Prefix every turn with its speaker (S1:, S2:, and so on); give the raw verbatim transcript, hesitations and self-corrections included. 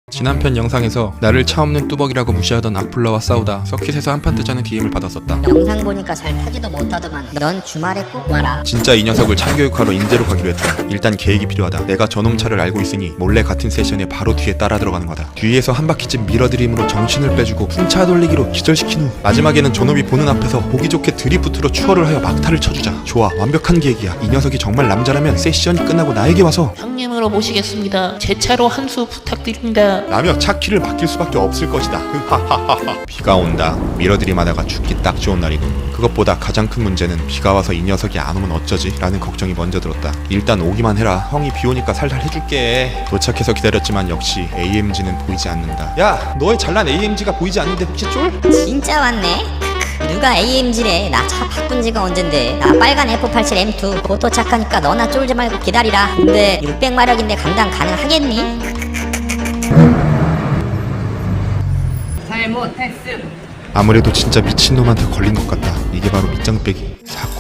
S1: 지난 편 영상에서 나를 차 없는 뚜벅이라고 무시하던 악플러와 싸우다 서킷에서 한판 뜨자는 디엠을 받았었다.
S2: 영상 보니까 잘 타지도 못하더만 넌 주말에 꼭 와라.
S1: 진짜 이 녀석을 참교육하러 인제로 가기로 했다. 일단 계획이 필요하다. 내가 저놈 차를 알고 있으니 몰래 같은 세션에 바로 뒤에 따라 들어가는 거다. 뒤에서 한 바퀴쯤 밀어들임으로 정신을 빼주고 풍차 돌리기로 기절시킨 후 마지막에는 저놈이 보는 앞에서 보기 좋게 드리프트로 추월을 하여 막타를 쳐주자. 좋아, 완벽한 계획이야. 이 녀석이 정말 남자라면 세션이 끝나고 나에게 와서
S3: 형님으로 모시겠습니다. 제 차로 한 수 부탁드립니다.
S1: 라며 차 키를 맡길 수밖에 없을 것이다. 하하하하. 비가 온다. 밀어들이마다가 죽기 딱 좋은 날이군. 그것보다 가장 큰 문제는 비가 와서 이 녀석이 안 오면 어쩌지? 라는 걱정이 먼저 들었다. 일단 오기만 해라. 형이 비 오니까 살살 해줄게. 도착해서 기다렸지만 역시 에이엠지는 보이지 않는다. 야, 너의 잘난 에이엠지가 보이지 않는데 혹시 쫄?
S2: 진짜 왔네? 누가 에이엠지래? 나 차 바꾼 지가 언젠데. 나 빨간 에프 팔십칠 엠 투 곧 도착하니까 너나 쫄지 말고 기다리라. 근데 육백 마력인데 감당 가능하겠니?
S4: 잘못했음.
S1: 아무래도 진짜 미친놈한테 걸린 것 같다. 이게 바로 밑장 빼기. 사건.